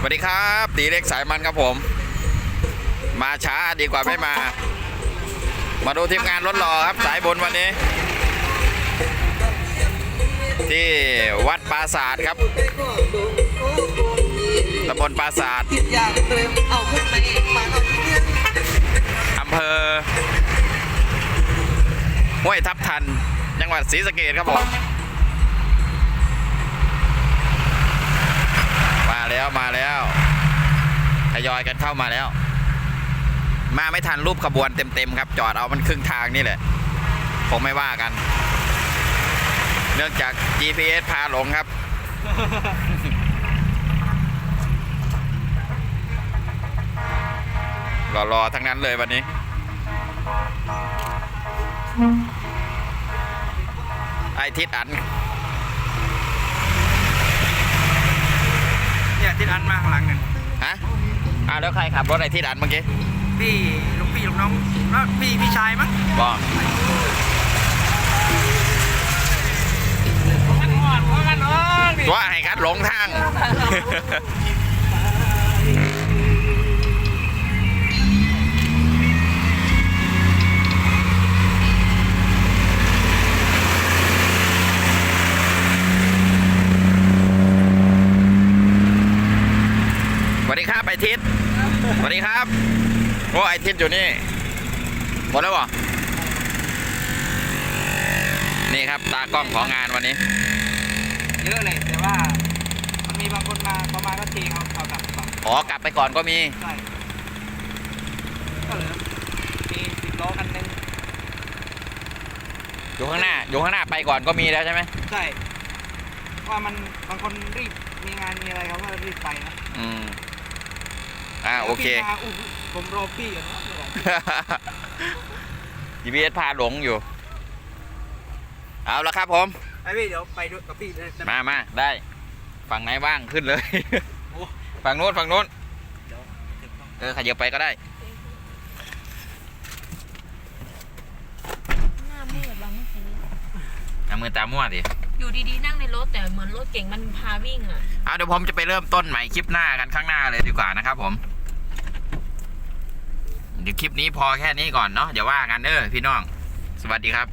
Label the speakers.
Speaker 1: วัสดีครับตีเล็กสายมันครับผมมาช้าดีกว่าไม่มาดูทีมงานรถหล่อครับสายบนวันนี้ที่วัดปราสาทครับตำบลปราสาทอำเภอห้วยทับทันจังหวัดศรีสะเกษครับผมมาแล้วทยอยกันเข้ามาแล้วมาไม่ทันรูปขบวนเต็มครับจอดเอามันครึ่งทางนี่แหละคงไม่ว่ากันเนื่องจาก GPS พาหลงครับ รอทั้งนั้นเลยวันนี้ไอทิศอัน
Speaker 2: เนี่ยทิศอันมาข้างหลังกัน
Speaker 1: ฮะแล้วใครขับรถไอทิศอันเมื่อกี้
Speaker 2: ลูกน้องแล้วพี่ชายมั้ง
Speaker 1: บอกว่าให้คัดหลงทางสวัสดีครับไอทิศสวัสดีครับโอ้ไอทิศอยู่นี่หมดแล้วเหรอนี่ครับตากล้องของงานวันนี้
Speaker 2: เยอะเลยแต่ว่ามันมีบางคนมาประมาณก็ทิ้งเอากลับก่อน
Speaker 1: กลับไปก่อนก็มี
Speaker 2: ใช่ก็เหลือมี10 ล้อคันนึง
Speaker 1: อยู่ข้างหน้าไปก่อนก็มีแล้วใช่ไหม
Speaker 2: ใช่ว่ามันบางคนรีบมีงานมีอะไรเขาก็รีบไปนะ
Speaker 1: โอเค
Speaker 2: ผมรอพี่อยู่นะ
Speaker 1: GPS พาหลงอยู่เอาละครับผม
Speaker 2: ไอพี่เดี๋ยวไปด้วยกับพี่
Speaker 1: มาได้ฝั่งไหนว่างขึ้นเลย ฝั่งโน้นขยับไปก็ได้
Speaker 3: หน้ามืดบางเมื่อกี้
Speaker 1: หน้ามืดตามั่วดิ
Speaker 3: อยู่ดีๆนั่งในรถแต่เหมือนรถเก่งมันพาวิ่ง
Speaker 1: เดี๋ยวผมจะไปเริ่มต้นใหม่คลิปหน้ากันข้างหน้าเลยดีกว่านะครับผมเดี๋ยวคลิปนี้พอแค่นี้ก่อนเนาะเดี๋ยวว่ากันพี่น้องสวัสดีครับ